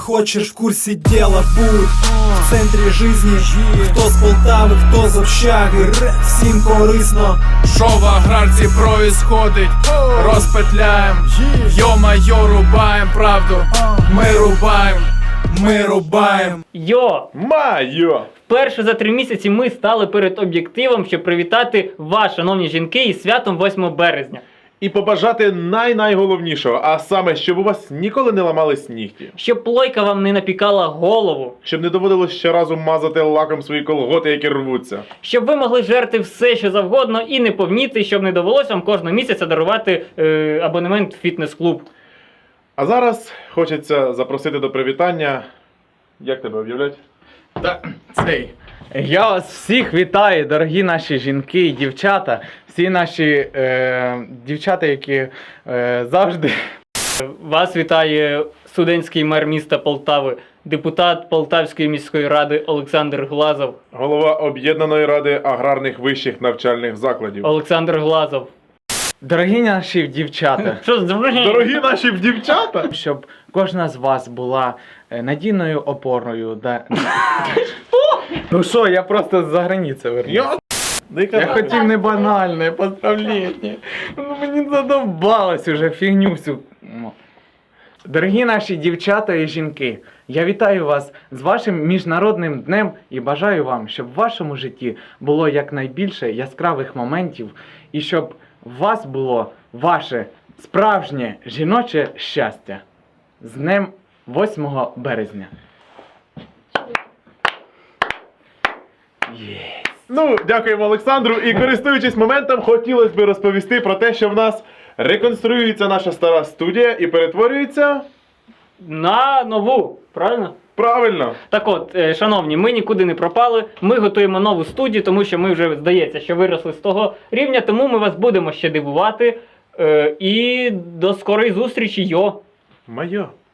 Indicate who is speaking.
Speaker 1: Хочешь в курсе дела, будь в центрі жизни. Хто з Полтави, хто з общаги, всім корисно.
Speaker 2: Що в аграрці происходить? Розпетляєм, йо-майо, рубаєм правду. Ми рубаєм.
Speaker 3: Йо!
Speaker 4: Майо!
Speaker 3: Вперше за 3 місяці ми стали перед об'єктивом, щоб привітати вас, шановні жінки, із святом 8 березня.
Speaker 4: І побажати найголовнішого, а саме, щоб у вас ніколи не ламались нігті.
Speaker 3: Щоб плойка вам не напікала голову.
Speaker 4: Щоб не доводилось щоразу мазати лаком свої колготи, які рвуться.
Speaker 3: Щоб ви могли жерти все, що завгодно, і не повніти, щоб не довелося вам кожного місяця дарувати абонемент в фітнес-клуб.
Speaker 4: А зараз хочеться запросити до привітання. Як тебе об'являть?
Speaker 5: Я вас всіх вітаю, дорогі наші жінки і дівчата, всі наші дівчата, які завжди...
Speaker 3: Вас вітає студентський мер міста Полтави, депутат Полтавської міської ради Олександр Глазов.
Speaker 4: Голова Об'єднаної ради аграрних вищих навчальних закладів.
Speaker 3: Олександр Глазов.
Speaker 5: Дорогі наші дівчата,
Speaker 3: Що з
Speaker 4: Дорогі наші дівчата!
Speaker 5: щоб кожна з вас була надійною опорою. Ну що, я просто з-за границі вернувся. Я хотів не банальне поздравлення. Ну мені задовбалось уже фігню всю. Дорогі наші дівчата і жінки, я вітаю вас з вашим міжнародним днем і бажаю вам, щоб в вашому житті було якнайбільше яскравих моментів і щоб у вас було ваше справжнє жіноче щастя. З днем 8 березня.
Speaker 4: Ну, дякуємо Олександру. І користуючись моментом, хотілося б розповісти про те, що в нас реконструюється наша стара студія і перетворюється...
Speaker 3: на нову, правильно?
Speaker 4: Правильно!
Speaker 3: Так от, шановні, ми нікуди не пропали, ми готуємо нову студію, тому що ми вже, здається, що виросли з того рівня, тому ми вас будемо ще дивувати. І до скорої зустрічі, йо!
Speaker 4: Майо!